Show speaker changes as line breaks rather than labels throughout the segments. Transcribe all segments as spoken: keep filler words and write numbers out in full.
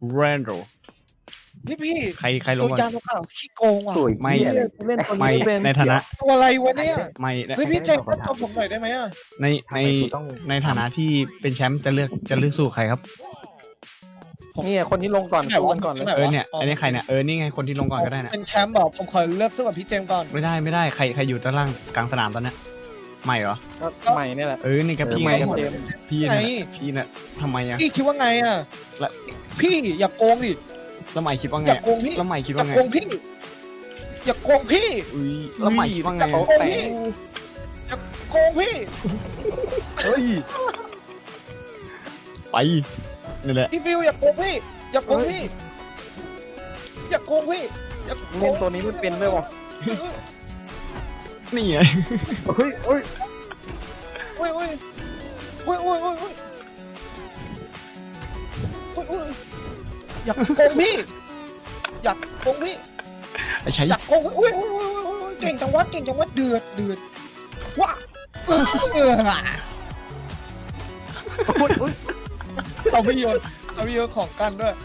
แรนโด
พี่พี่
ใครใครล
ตั
ง
ว
ก่อน
ยางเปล่าขี้โกงว่ะ
ไม่
เล่นตัว
ไม่
นี้เป็น
ในฐานะ
ตัวอะไรวะเนี่ย
ไม่
เฮ้ยพี่เจมส์ตัวผมหน่อยได้ไหมอ่ะ
ในในในฐานะที่เป็นแชมป์จะเลือกจะเลือกสู้ใครครับ
นี่คนที่ลงก่อนสู้กันก่อนเลย
เออเนี่ยอันนี้ใครเนี่ยเออนี่ไงคนที่ลงก่อนก็ได้นะ
เป็นแชมป์บอกผมขอเลือกสู้กับพี่เจมส์ก่อน
ไม่ได้ไม่ได้ใครใครอยู่ด้านล่างกลางสนามตอนนี้ไม่เหรอ
ก็ใหม่นี่แหละ
เออนี่กับพี่
ให
ไง
ม่กับเจมส์
พี่
ไง
น่ะพี่น่ะทำไมอ่ะ
พี่คิดว่าไงอ่ะ
แล้ว
พี่อย่าโกงดิ
แล้วใหม่คิดว่า
อ
ไง
ย่าโกงพี่
แล้วใหม่คิด
อย่า
ว่าไง
โกงพี่อย่าโกงพี่
อุ้ยแล้วใหม่คิดว่าไง
อย่าโกงพี่อย่าโกงพี่
เฮ้ย
ไปนี่แหละ
พี่ฟิวอย่าโกงพี่อย่าโกงพี่อย่าโกงพี่อย่าโก
เล่
ง
นตัวนี้ไม่เป็นด้วยวะ
นี่ไง
เฮ้ยเฮ้ย
โอ้ยโอ้ยโอ้ยโอ้ยโอ้ยโอ้ยโอ้ยโอ้ยอย่าโกงพี่อย่าโกงพี่
ไอ้ใช้
อยากโกงอุ้ยอุ้ยอุ้ยอุ้ยเก่งจังวะเก่งจังวะเดือดเดือดว้าเออ
โอ้ยโอ้ย
เราไม่โยนเราไม่โยนของกันด้วย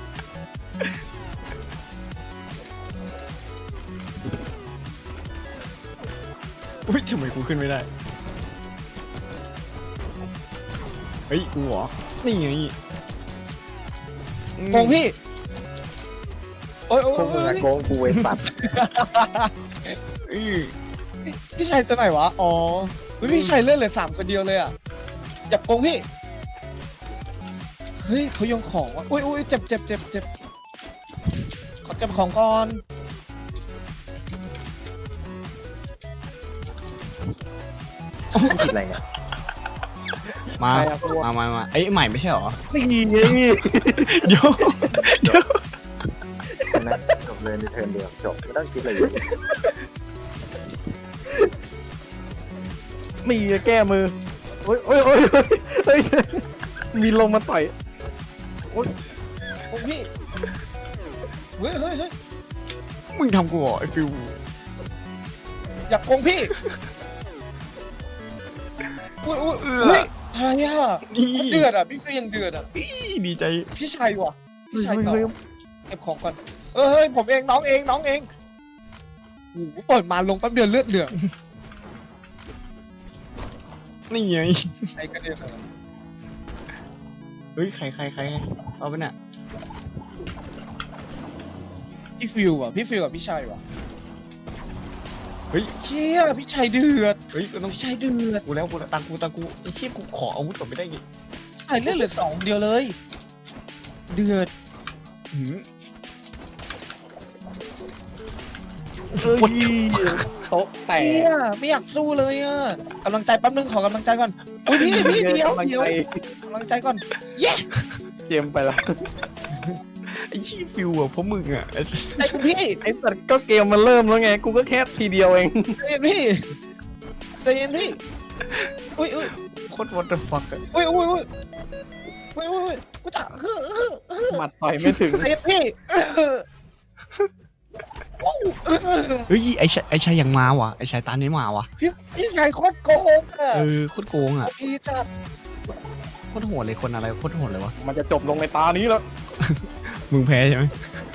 อุ้ยทำไมกูขึ้นไม่ได้เฮ้ยกูเหรอนี่ไง
โกงพี่โอ้ยโอ้ย
พวกมึงอะโกงกูเว้ยสัตว์
อือ
พี่ชัยตัวไหนวะอ๋อเฮ้ยพี่ชัยเลื่อนเหลือสามคนเดียวเลยอ่ะอยากโกงพี่เฮ้ยเขาโยงของวะอุ้ยอุ้ยเจ็บเจ็บเจ็บเจ็บขอเก็บของก่อน
ผิดอะไรเนี่ย
มา
ใครอะพวก
มามามาเอ้ยใหม่ไม่ใช่เหรอ
นี่ไง
เดี๋ยวเดี๋ยว
นะจบเลยในเทิร์นเดียวจบไม่ต้องคิดอะไรเยอะ
นี่แก้มือโอ้ยโอ้ยโอ้ยเฮ้ยมีลมมาต่อย
โกงพี่เฮ้ยเฮ้ยเฮ้ย
มึงทำกูเหรอไอ้ฟิว
อยากโกงพี่อุ้ยอุ้ยอุ้ยอะไรอ่ะ
นี่
เดือดอ่ะพี่ฟิวยังเดือดอ่ะ
ดีใจ
พี่ชัยว่ะพี่ชัยต่อ
เฮ้ย
เก็บของก่อนเออเฮ้ยผมเองน้องเองน้องเองโอ้โหเปิดมาลงแป๊บเดียวเลือดเหลือง
นี่ไง
ไอ้กระเด็นเลย
เฮ้ยใครใครใครเอาไปเนี่ย
พี่ฟิวอ่ะพี่ฟิวกับพี่ชัยว่ะ
เฮ้ย
เชี่ยพี่ชัยเดือด
เฮ้ยกูต้อง
พี่ชัยเดือด
กูแล้วกูแล้วตังกูตังกูไอ้เชี่ยกูขออาวุธก่อนไม่ได้ไง
พี่ชัยเลือดเหลือสองเดียวเลย เดือด
หืม
เฮ้ยโต๊ะแตก
เชี่ยไม่อยากสู้เลยอ่ะกำลังใจแป๊บนึงขอกำลังใจก่อนอุ้ยพี่พี่เดียว
กำลัง
เดียว
ใจ
กำลังใจก่อนเย้
เจมไปแล้ว
ไอ้เชี่ยฟิวอ่ะเพราะมึงอ่ะไอ้
ใจคุณพี่
ไอ้สัตว์ก็เกมมันเริ่มแล้วไง กูก็แค่ทีเดียวเอง
ใจเย็นพี่ใจเย็นพี่อุ้ยอุ้ย
โคตร what the fuck อะ
อุ้ยอุ้ยอุ้ยอุ้ยอุ้ยอุ้ยกูจะเออเออเออ
หมัดต่อยไม่ถึง
ใจเย็นพี่เออเออเออ
เฮ้ยไอ้ชายไอ้ชายยังมาว่ะไอ้ชายตานี้มาว่ะ
พี่พี่ไงโคตรโกงอ่ะ
เออโคตรโกงอ่ะ
พี่จัด
โคตรโหดเลยคนอะไรโคตรโหดเลยวะ
มันจะจบลงในตานี้แล้ว
มึงแพ้ใช่ไหม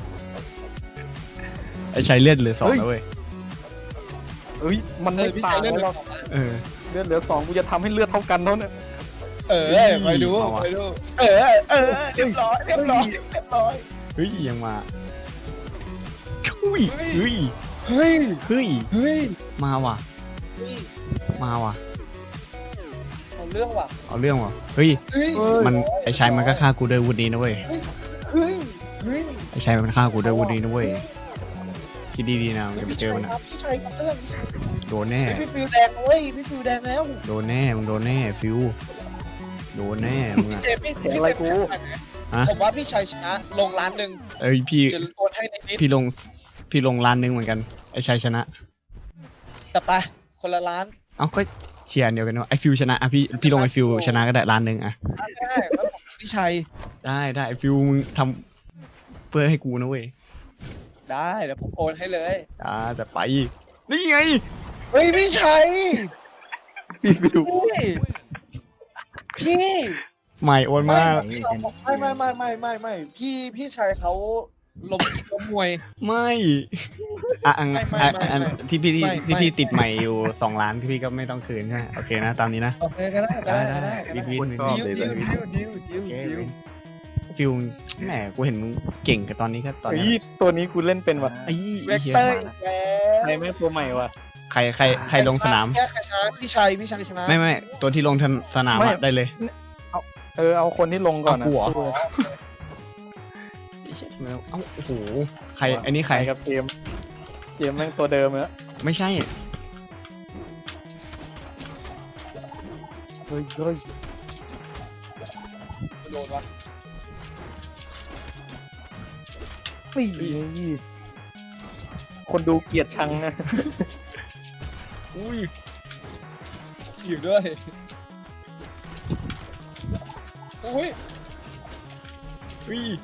ไอ้ชายเลือดเหลือสองแล้วเว้ย
เฮ้ย มัน
เอ
ไม่
อพี่
ตา
ชาย
ย
เล่น
แล้ว
เออ
เลือดเหลือสองกูจะทำให้เลือดเท่ากันเท่านั้น
เออไปดูไปดูเออเออเรียบร้อยเรียบร้อยเรียบร้อย
เฮ้ยยังมาเฮ้ยเฮ้ย
เฮ้ย
เฮ้ย
เฮ้ย
มาว่ะ
เฮ้ย
มาว่ะ
เอาเรื่องว่ะ
เอาเรื่องว่ะเฮ้ย
เฮ้ย
มันไอ้ชายมันก็ฆ่ากูด้วยวุฒินี้นะเว้ย
เฮ้ยเฮ้ย
ไอ้ชายมันฆ่ากูด้วยวุฒินี้นะเว้ยคิดดีๆนะมึงจะไป
พี่
เจ
ชั
อย มัน
ค
อะ
รับพี่ชัยกับเรื่องพี่ชัย
โดนแน่
พี่ฟิวแดงเว้ยพี่ฟิวแดงแล้ว
โดนแน่มึงโดนแน่ฟิวโดนแน่มึง
พี่
อะ
เจมส์พี่
เห็นอะไรกู
ฮะ
ผมว่าพี่ชัยชนะลงล้านหนึ่ง
เอ้ยพี่
เดี๋ยวโอนให้ในนิด
พี่ลงพี่ลงล้านหนึงเหมือนกันไอ้ชายชนะ
แต่ไปคนละล้าน
เอ้าก็เชียร์อันเดียวกันว่าไอ้ฟิวชนะอ่ะพี่พี่ลงไอ้ฟิวชนะก็ได้ล้านหนึ่งอ่ะ
ได้แล้วผมพี่ชัย
ได้ได้ไอ้ฟิวมึงทำเพื่อให้กูนะเว้ย
ได้เดี๋ยวผมโอนให้เลย
อ่าแต่ไปนี่ไง
เฮ้ยพี่ชัย
พี่ฟิว
พี่พี่
ใหม่โอนมาก
ไม่ไม่ไม่ไม่ไม่ไม่พี่พี่ชายเขาล้มล้มมวย
ไม่อ่ะอัน
ไม่ไม่
อ่ะ
ไม่
อัน
ไม่
ที่พี่ที่
ไม่
ที่พี่
ไม่
ติดใหม่อยู่สองล้านที่พี่ก็ไม่ต้องคืนใช่ไหมโอเคนะตามนี้นะ
โอเคก็ได้ก็ได้ก็ได้
วินวินวิน
ดิวดิวดิวดิวดิว
โอเค
ดิว
ฟิลแหมกูเห็นมึงเก่งกับตอนนี้ก็ตอน
เฮ้
นี้
ยตัวนี้กูเล่นเป็นว่ะ
ไอ้
เวก
เหี้ย
เตอร์อีกแล้ว
ใครแม่งตัวใหม่ว่ะ
ใครใครใครลงสนาม
แค่ใครชนะพี่ชัยพี่ชัยชนะ
ไม่ไม่ตัวที่ลงสนาม
ไม่
อะได้เลย
เออเอาคนที่ลงก่อนนะ
เอากูเหรอ เอ้าโอ้โหใครไอ้นี่ใคร
กับเกมเกมแม่งตัวเดิมแล้ว
ไม่ใช่
เฮ้ยเฮ้ย
โดนวะ
สี่คนดูเกลียดชังนะ
อุ้ยอยู่ด้วยอุ้ย
อุ้ย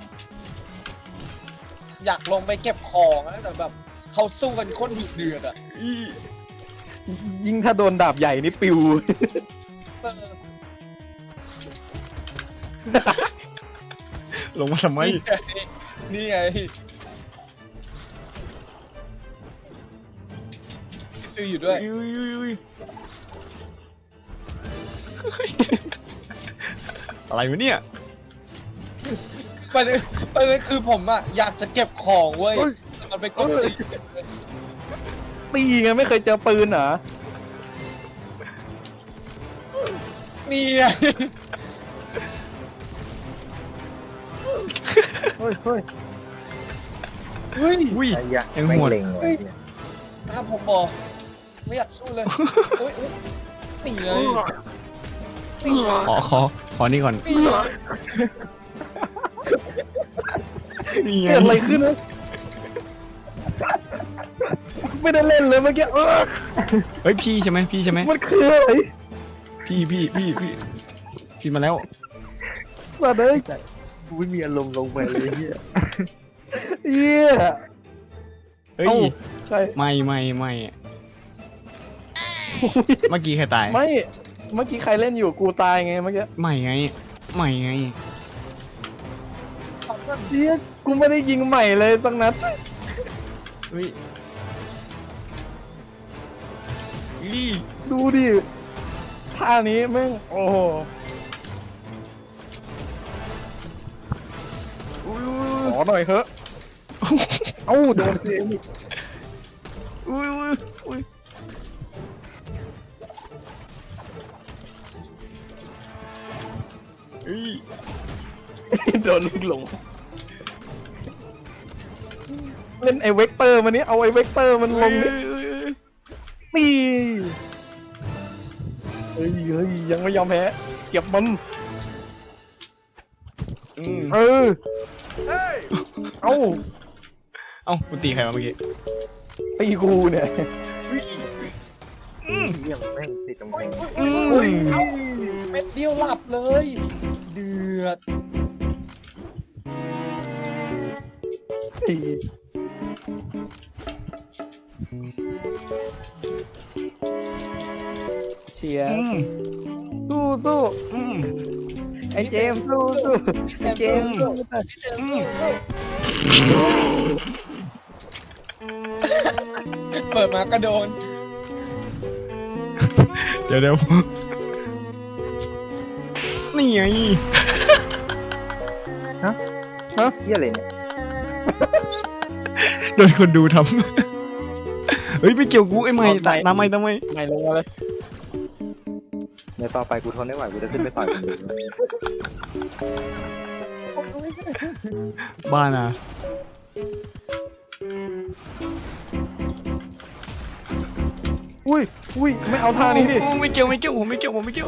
อยากลงไปเก็บของนะแต่แบบเขาสู้กันโคตรดุเดือดอ่ะ
อุ้ย
ยิ่งถ้าโดนดาบใหญ่นี่ปิว
เออ
ลงมาทำไม
นี่ไงนี่ไงซื้ออยู่ด้วย
อุ้ยอุ้ยอุ้ยอะไรวะเนี่ย
ประเด็นประเด็นคือผมอ่ะอยากจะเก็บของเว้ย
เฮ้ย
แต่มันไปกดตี
ตีไงไม่เคยเจอปืนเหรอ
นี่ไง
เฮ้ยเฮ้ย
เฮ้ย
อุ้ย
ไอ้ยักษ์
ยัง
แม่
โห
ง
ด
เล็งเลยเนี่ย
ตามผมบอกไม่อยากสู้เลยเฮ้ยเฮ้ยนี่เลยนี่ไง
ขอขอขอนี่ก่อน
นี่ไง
นี่ไง
เกิดอะไรขึ้นวะไม่ได้เล่นเลยเมื่อกี้เออ
เฮ้ยพี่ใช่ไหมพี่ใช่ไหม
มันคืออะไร
พี่พี่พี่พี่พี่มาแล้ว
มาเลย
กูไม่มีอารมณ์ลงไปเลยเฮีย
เยี่ย
เฮ้ย
เอ้าใช่
ไม่ไม่ไม่เมื่อกี้ใครตาย
ไม่เมื่อกี้ใครเล่นอยู่กูตายไงเมื่อกี้
ไม่ไงไม่ไง
ทำกัน
เยี่ยกูไม่ได้ยิงใหม่เลยสักนัด
เฮ้ยอี
ดูดิท่านี้แม่งโอ้โห
อุ้ย
ขอหน่อยเถอะเอ้าโดนเองอีก
อุ้ยอุ้ยอุ้ยอุ้ย
โดนลูกหลงเล่นไอเวกเตอร์มานี้เอาไอเวกเตอร์มันลงดิปีเฮ้ยเฮ้ยยังไม่ยอมแพ้เก็บมัน
อืม
เออเอ้า
เอ้ากูตีใครมาเมื่อกี้
ตีกูเนี่ย
เยี่ยมแม่งติดกำแพง
โอ้ยเอ้าเม็ดเดียวหลับเลย เดือด
ตีเชียร์
อืม
สู้สู้
อืม
ไอเจมส์สู้สู้ไอเจมส์สู้
พี่เจมส์เปิดมากระโดน
เดี๋ยวเดี๋ยวนี่ไง
เฮียอะไรเนี่ย
โดนคนดูทำ เฮ้ยไม่เกี่ยวกูไอ้ไม่ตายน้ำไม่ทำไม
ไม่ลงมาเลย
ในต่อไปกูทนไม่ไหวกูจะขึ้นไปต่อยคนอื่น
บ้านะ
อุ้ยอุ้ยไม่เอาท่านี้ดิ
โอ้ไม่เกี่ยวไม่เกี่ยวผมไม่เกี่ยวผมไม่เกี่ยว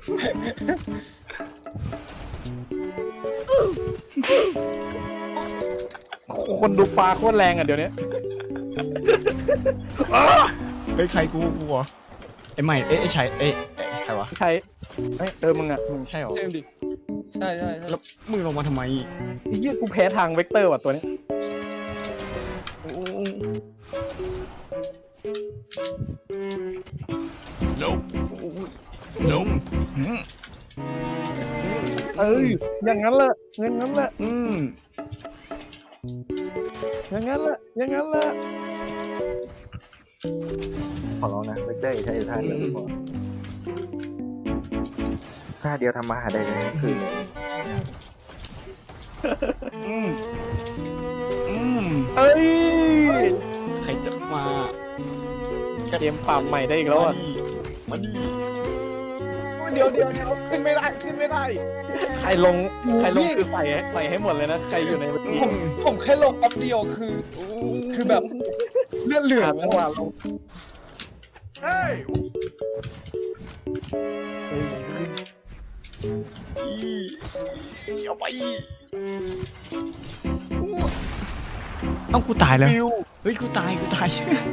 คนดูปลาโคตรแรงอ่ะเดี๋ยวนี้
เฮ้ยใครกูกูเหรอไอ้ใหม่เอ้ยไอ้ชัยเอ้ยเอ้ยใครวะ
ใครเอ้ยเออมึงอ่ะมึง
ใช่เหรอ
เจมส์ดิ ใช่ใช่ใช่
แล้วมึงลงมาทำไม
ไอ้เหี้ยกูแพ้ทางเวกเตอร์ว่ะตัวนี้
โอ้
Nope.
โอ้
Nope.
อืม
เอ้ยอย่างนั้นแหละอย่างนั้นแหละ
อืม
อย่างนั้นแหละอย่างนั้นแหละ
ขอร้องนะไม่ได้ใช้ท่าเดียวพอท่าเดียวทำมาหาได้เลยคือ
อืมอืม
เอ้ย
ใครจะมา
เกมปรับใหม่ได้อีกแล้วอ่ะ
มาดิ
เดี๋ยวเดี๋ยวเดี๋ยวขึ้นไม่ได้ขึ้นไม่ได้
ใครลงใครลงคือใส่ใส่ให้หมดเลยนะใครอยู่ในนี้
ผมผมแค่ลงแป๊บเดียวคือ คือแบบเลือดเหลือ
ขาด
ง
จังหวะลง
เอาไปเอ้ากูตายแล้ว
ฟิว
เฮ้ยกูตายกูตาย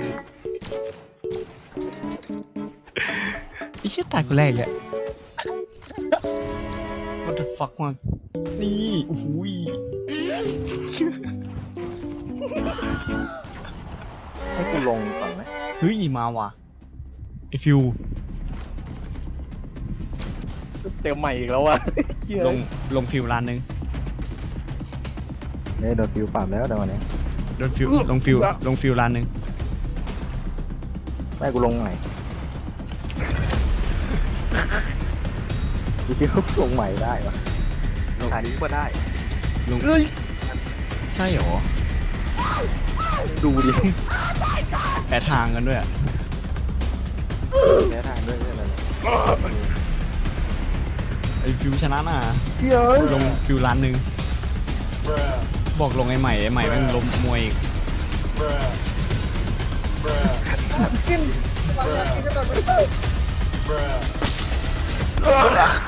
ไอ้เชี่ยตายกูแรกเลย What the fuck วะนี่โอ้โหย
ให้กูลงก่อนไหม
เฮ้ยมาว่ะไอฟิว
เจอใหม่อีกแล้วว่ะเหี้ย
ลงลงฟิวร้านหนึง
เนี่ยโดนฟิวปรับแล้วแต่วันนี้
โดนฟิวลงฟิวลงฟิวร้านหนึง
ไม่กูลงใหม่กูคิดว่าลงใหม่ได้ปะอันนี้ก็ได้
ลง
เอ้ย
ใช่เหรอ
ดูดิ
แปะทางกันด้วยอะ
แค่ทางด้วยใช่ไหม
ไอฟิวชนะน่ะ
เหี้ยเอ้ย
ลงฟิวร้านหนึงบอกลงไอใหม่ไอใหม่แม่งล้มมวยอีก
กินกินขนาดไม่เลิก